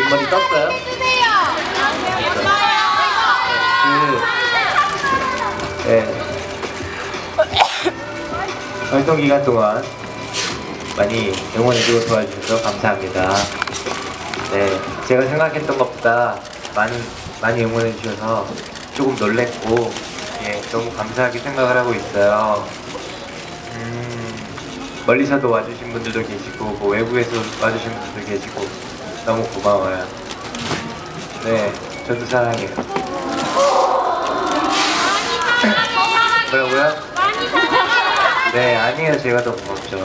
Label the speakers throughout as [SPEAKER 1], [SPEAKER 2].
[SPEAKER 1] 윗머리 떴어요? 네. 활동 기간 동안 많이 응원해주고 도와주셔서 감사합니다. 네, 제가 생각했던 것보다 많이 응원해주셔서 조금 놀랬고, 예, 너무 감사하게 생각을 하고 있어요. 멀리서도 와주신 분들도 계시고, 뭐 외부에서 와주신 분들도 계시고, 너무 고마워요. 네, 저도 사랑해요. 뭐라고요? 네, 아니에요. 제가 더 고맙죠.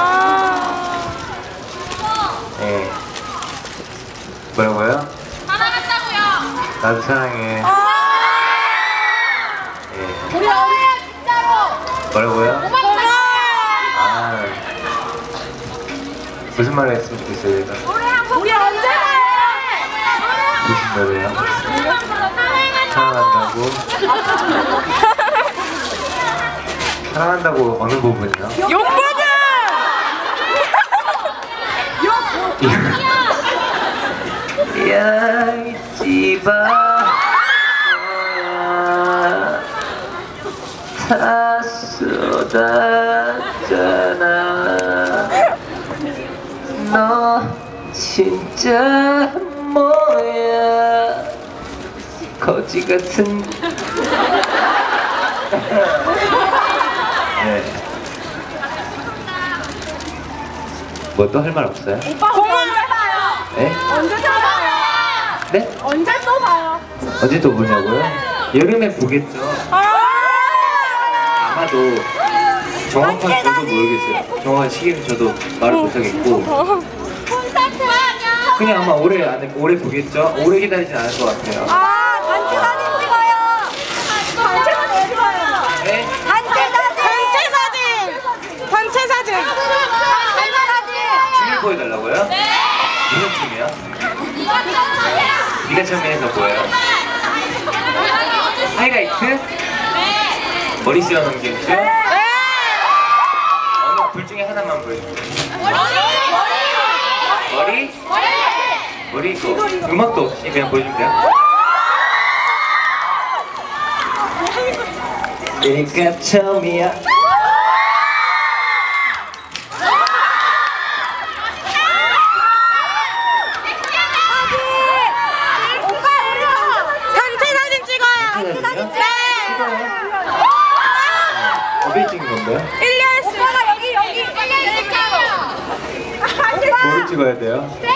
[SPEAKER 1] 네. 뭐라고요? 사랑한다고요. 나도 사랑해. 네.
[SPEAKER 2] 우리 어머니야 진짜로.
[SPEAKER 1] 뭐라고요? 아, 무슨 말을 했으면 좋겠어요, 얘가?
[SPEAKER 2] 우리 언제
[SPEAKER 1] 무슨 노래요? 사랑한다고? 사랑한다고 어느 부분이요?
[SPEAKER 2] 욕 부분!
[SPEAKER 1] 야, 잊지마 다 쏟았잖아. 너 진짜 뭐야, 거지 같은. 네. 뭐 또 할 말 없어요?
[SPEAKER 2] 오빠 공 언제 봐요?
[SPEAKER 1] 네?
[SPEAKER 2] 언제 또 봐요?
[SPEAKER 1] 네?
[SPEAKER 2] 언제 또 봐요?
[SPEAKER 1] 언제 또 보냐고요? 여름에 보겠죠. 아마도 정확한 저도 모르겠어요. 정확한 시기는 저도 말을 못하겠고,
[SPEAKER 2] 콘서트 하면
[SPEAKER 1] 그냥 아마 올해 안에 오래 보겠죠. 오래 기다리진 않을 것 같아요.
[SPEAKER 2] 단체 사진 찍어요. 단체 사진 찍어요.
[SPEAKER 1] 네?
[SPEAKER 2] 단체 사진.
[SPEAKER 1] 춤을 보여달라고요? 네. 무슨 춤이요? 네가 처음에 해서 뭐예요? 하이라이트? 네. 머리 씌워 넘기는 춤? 네. 어느 둘 중에 하나만 보여주세요. 머리? 머리 이거 음악도 없이 그냥 보여주면 돼요? 내가 처음이야. 어디 찍은 건데요?
[SPEAKER 2] 일리아스 여기
[SPEAKER 1] 뭐를 찍어야 돼요?